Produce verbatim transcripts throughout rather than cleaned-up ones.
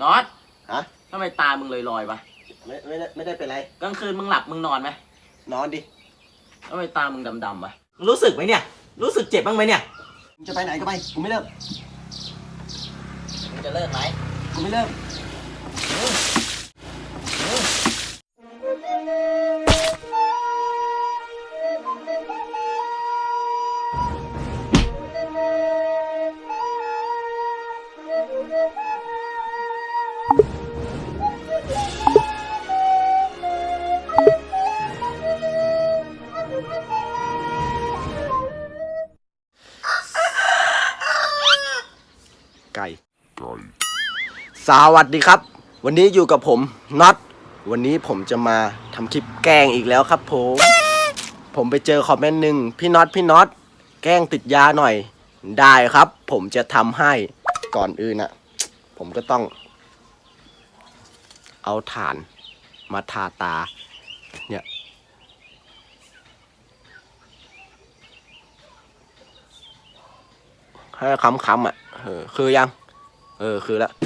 น็อตฮะทำไมตามึงลอยๆวะไม่ไม่ได้ไม่ได้เป็นไรกลางคืนมึงหลับมึงนอนไหมนอนดิทำไมตามึงดำๆวะรู้สึกไหมเนี่ยรู้สึกเจ็บบ้างไหมเนี่ยมึงจะไปไหนก็ไปกูไม่เลิกมึงจะเลิกไหมกูไม่เลิกไก่สวัสดีครับวันนี้อยู่กับผมน็อตวันนี้ผมจะมาทำคลิปแกล้งอีกแล้วครับผมผมไปเจอคอมเมนต์หนึ่งพี่น็อตพี่น็อตแกล้งติดยาหน่อยได้ครับผมจะทำให้ก่อนอื่นน่ะผมก็ต้องเอาถ่านมาทาตาเนี่ยให้ค้ำๆอ่ะเออคือยังเออคือแล้ว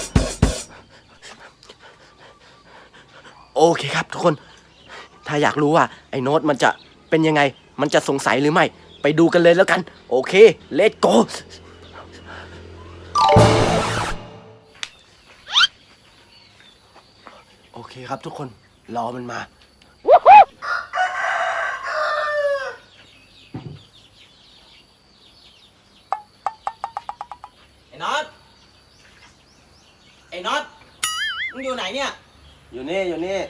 โอเคครับทุกคนถ้าอยากรู้ว่าไอ้โน้ตมันจะเป็นยังไงมันจะสงสัยหรือไม่ไปดูกันเลยแล้วกันโอเคเลทโกโอเคครับทุกคนรอมันมาไอ้น็อตไอ้น็อตมึงอยู่ไหนเนี่ยอยู่นี่อยู่นี่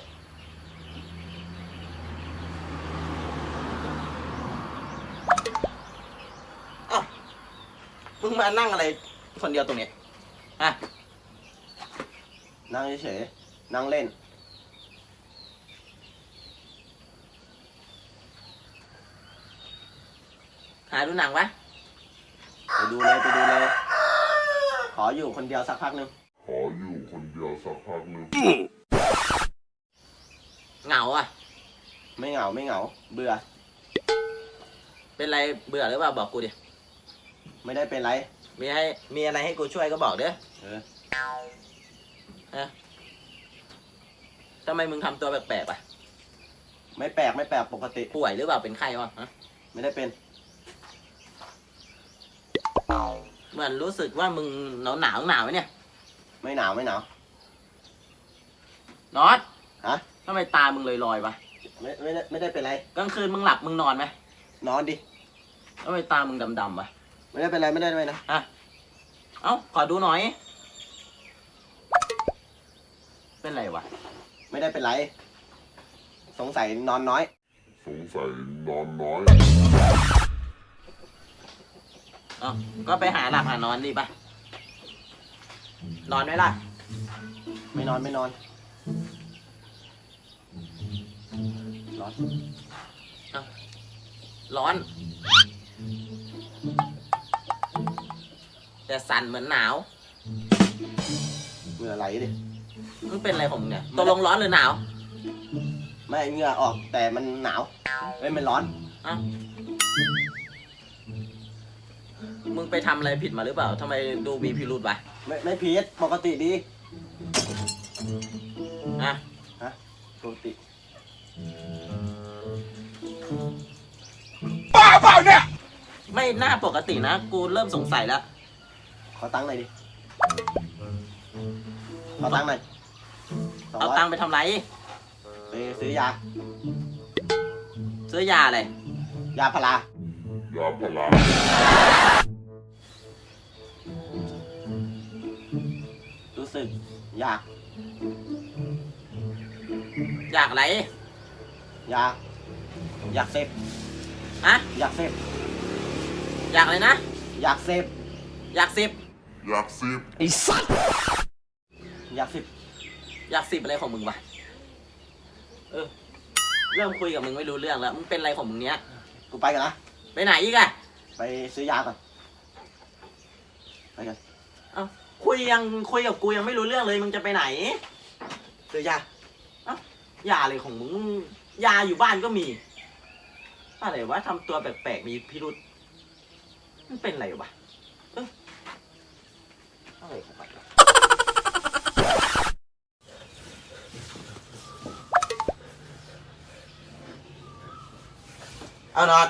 อ้าวมึงมานั่งอะไรคนเดียวตรงนี้ฮะนั่งเฉยๆนั่งเล่นหาดูหนังวะไปดูเลยไปดูเลยขออยู่คนเดียวสักพักหนึ่งขออยู่คนเดียวสักพักหนึ่งเหงาอ่ะไม่เหงาไม่เหงาเบื่อเป็นไรเบื่อหรือเปล่าบอกกูดิไม่ได้เป็นไรมีให้มีอะไรให้กูช่วยก็บอกเด้อเออฮะทำไมมึงทำตัวแปลกๆอ่ะไม่แปลกไม่แปลกปกติป่วยหรือเปล่าเป็นไข้วะฮะไม่ได้เป็นเหมือนรู้สึกว่ามึงหนาวหนาวหนาวไหมเนี่ยไม่หนาวไม่หนาวน็อตฮะทำไมตามึงลอยๆวะไม่ไม่ได้ไม่ได้เป็นไรกลางคืนมึงหลับมึงนอนไหมนอนดิทำไมตามึงดำๆวะไม่ได้เป็นไรไม่ได้เป็นไรนะฮะเอ้าขอดูหน่อยเป็นไรวะไม่ได้เป็นไรสงสัยนอนน้อยสงสัยนอนน้อยอ๋อก็ไปหาหลับหานอนดิปะนอนไหมล่ะไม่นอนไม่นอนร้อนร้อนแต่สั่นเหมือนหนาวเหงื่อไหลดิมันเป็นอะไรของมึงเนี่ยตกลงร้อนหรือหนาวไม่เหงื่อออกแต่มันหนาวเอ้ยมันร้อนอ้าวมึงไปทำอะไรผิดมาหรือเปล่าทำไมดูมีพิรุธวะไม่ไม่ผิดปกติดีอะฮะปกติบ้าเปล่าเนี่ยไม่น่าปกตินะกูเริ่มสงสัยแล้วขอตังค์หน่อยดิขอตังค์หน่อยเอาตังค์ไปทำไรไปซื้อยาซื้อยาอะไรยาพารายาพารารู้สึกอยากอยากอะไรอยากอยากเสพอะอยากเสพอยากอะไรนะอยากเสพอยากสิบอยากสิบไอ้สัสอยากสิบอยากสิบอะไรของมึงวะเออเริ่มคุยกับมึงไม่รู้เรื่องแล้วมึงเป็นอะไรของมึงเนี้ยกูไปกันนะไปไหนอีกอะไปซื้อยาก่อนไปกันเอ้าคุยยังคุยกับกูยังไม่รู้เรื่องเลยมึงจะไปไหนซื้อยาเอ้ายาอะไรของมึงยาอยู่บ้านก็มีอะไรวะทำตัวแปลกๆมีพิรุษมันเป็นอะไรวะเอออะไรของมันเอาน็อต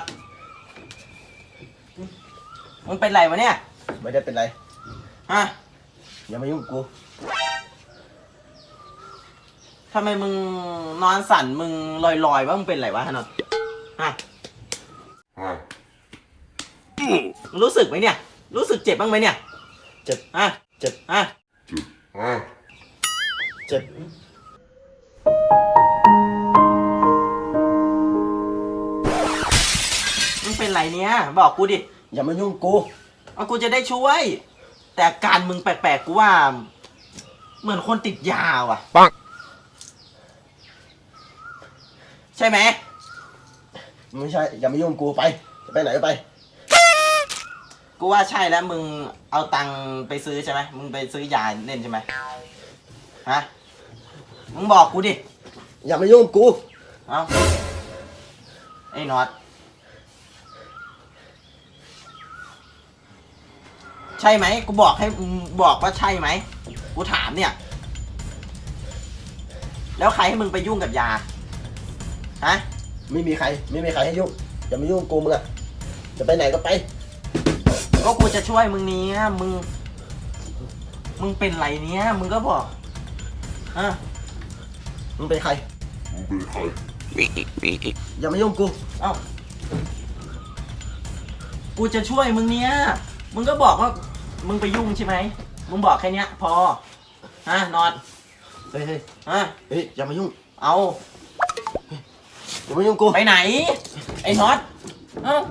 มึงเป็นไรวะเนี่ยไม่ได้เป็นไรฮะอย่ามายุ่งกับกูทำไมมึงนอนสั่นมึงลอยๆว่ามึงเป็นไรวะน็อตฮะฮะมึงรู้สึกไหมเนี่ย รู้สึกเจ็บบ้างไหมเนี่ยเจ็บฮะเจ็บฮะจุดฮะเจ็บมึงเป็นไรเนี่ย บอกกูดิอย่ามายุ่งกับกูเอากูจะได้ช่วย แต่อาการมึงแปลกๆกูว่า เหมือนคนติดยาว่ะปังใช่ไหมไม่ใช่ อย่ามายุ่งกับกูไป จะไปไหนก็ไปกูว่าใช่แล้วมึงเอาตังค์ไปซื้อใช่ไหมมึงไปซื้อยาเล่นใช่ไหมฮะมึงบอกกูดิอย่ามายุ่งกับกูเอาไอ้น็อตใช่ไหมกูบอกให้มึงบอกว่าใช่ไหมกูถามเนี่ย แล้วใครให้มึงไปยุ่งกับยาฮะไม่มีใคร ไม่มีใครให้ยุ่ง อย่ามายุ่งกับกูมึงอะจะไปไหนก็ไปก็กูจะช่วยมึงเนี้ยมึง มึงเป็นไรเนี้ยมึงก็บอกอ่ะมึงเป็นใครมึงเป็นใครอย่ามายุ่งกับกูเอ้ากูจะช่วยมึงเนี้ยมึงก็บอกว่า มึงไปยุ่งใช่ไหมมึงบอกแค่เนี้ย พอฮะนอนเฮ้ยเฮ้ยฮะเฮ้ย อย่ามายุ่งเอาอย่ามายุ่งกับกูไปไหน ไอ้น็อตเอ้า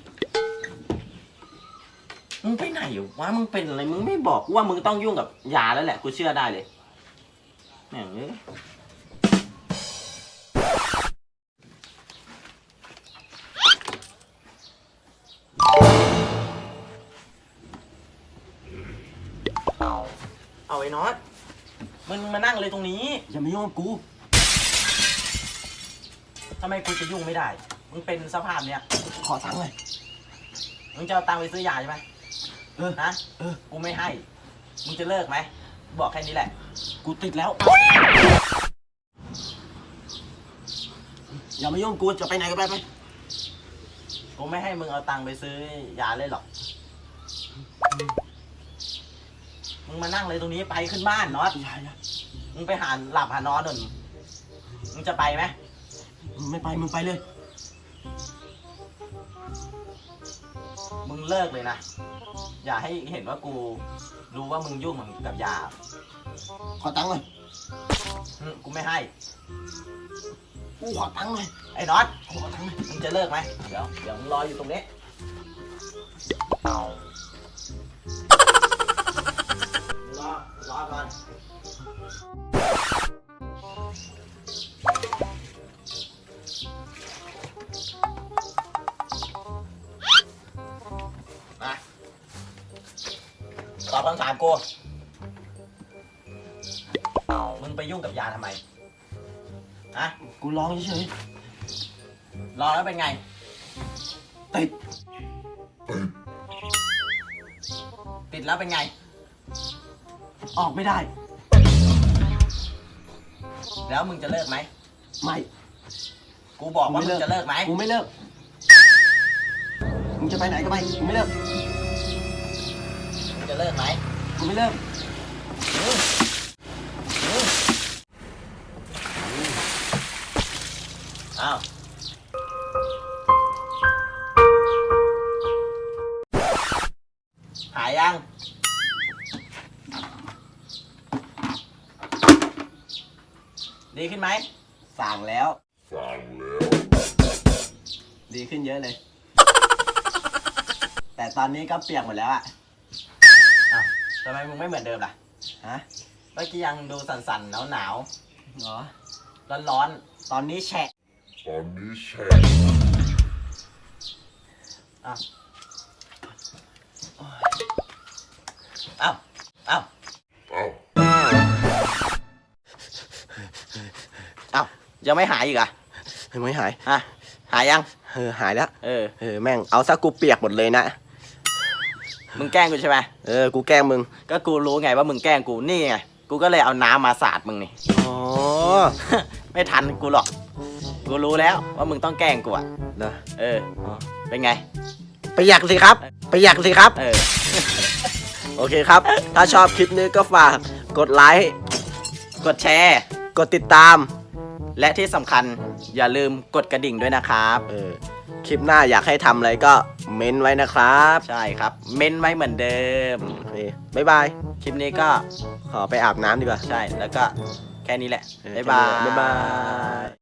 มึงไปไหนวะมึงเป็นอะไรมึงไม่บอกกูว่ามึงต้องยุ่งกับยาแล้วแหละกูเชื่อได้เลยแม่งเอ้ยเอาไอ้น็อตมึงมานั่งเลยตรงนี้อย่ามายุ่งกับกูทำไมกูจะยุ่งไม่ได้ มึงเป็นสภาพเนี้ยขอตังค์เลยมึงจะเอาตังค์ไปซื้อยาใช่ไหมเออนะเออกูไม่ให้ มึงจะเลิกไหม บอกแค่นี้แหละกูติดแล้ว อย่ามายุ่งกับกู จะไปไหนก็ไปไปกูไม่ให้มึงเอาตังค์ไปซื้อยาเลยหรอก มึงมานั่งเลยตรงนี้ไปขึ้นบ้านน็อตอย่าอย่ามึงไปหาหลับหานอนหน่อยมึงจะไปไหมมึงไม่ไป มึงไปเลยมึงเลิกเลยนะ อย่าให้เห็นว่ากูรู้ว่ามึงยุ่งกับยาขอตังค์เลยอืมกูไม่ให้กูขอตังค์เลยไอ้น็อตขอตังค์เลยมึงจะเลิกไหม เดี๋ยว เดี๋ยวมึงรออยู่ตรงนี้ รอ รอก่อน มาตอบคำถามกู มึงไปยุ่งกับยาทำไมฮะกูร้องเฉยรอแล้วเป็นไงๆติดติดแล้วเป็นไงออกไม่ได้แล้วมึงจะเลิกไหมไม่กูบอกว่ามึงจะเลิกไหมกูไม่เลิก มึงจะไปไหนก็ไป กูไม่เลิกมึงจะเลิกไหมกูไม่เลิกอืมอืมอ้าวหายยัง ดีขึ้นไหมสั่งแล้วสั่งแล้วดีขึ้นเยอะเลย แต่ตอนนี้ก็เปียกหมดแล้วอะอ้าวทำไมมึงไม่เหมือนเดิมล่ะฮะเมื่อกี้ยังดูสั่นๆ หนาวเหรอๆ ร้อนๆ ตอนนี้แฉะตอนนี้แชร์อ้าวอ้าวอ้าวเอ้าอ้าวยังไม่หายอีกอ่ะยังไม่หายฮะ หายยังเออ หายแล้วเออเออ แม่ง เอาซะกูเปียกหมดเลยนะมึงแกล้งกูใช่ไหมเออ กูแกล้งมึงก็กูรู้ไงว่ามึงแกล้งกู นี่ไง กูก็เลยเอาน้ำมาสาดมึงนี่อ๋อไม่ทันกูหรอก กูกูรู้แล้วว่ามึงต้องแกล้งกูอะนะเอออ๋อเป็นไงประหยัดสิครับประหยัดสิครับเออโอเคครับ ถ้าชอบคลิปนี้ก็ฝากกดไลค์กดแชร์กดติดตามและที่สำคัญอย่าลืมกดกระดิ่งด้วยนะครับเออ คลิปหน้าอยากให้ทำอะไรก็เม้นไว้นะครับใช่ครับ เม้นไว้เหมือนเดิมโอเคบ๊ายบายคลิปนี้ก็ขอไปอาบน้ำดีกว่าใช่แล้วก็แค่นี้แหละเออบ๊ายบายแค่นี้แหละบ๊ายบาย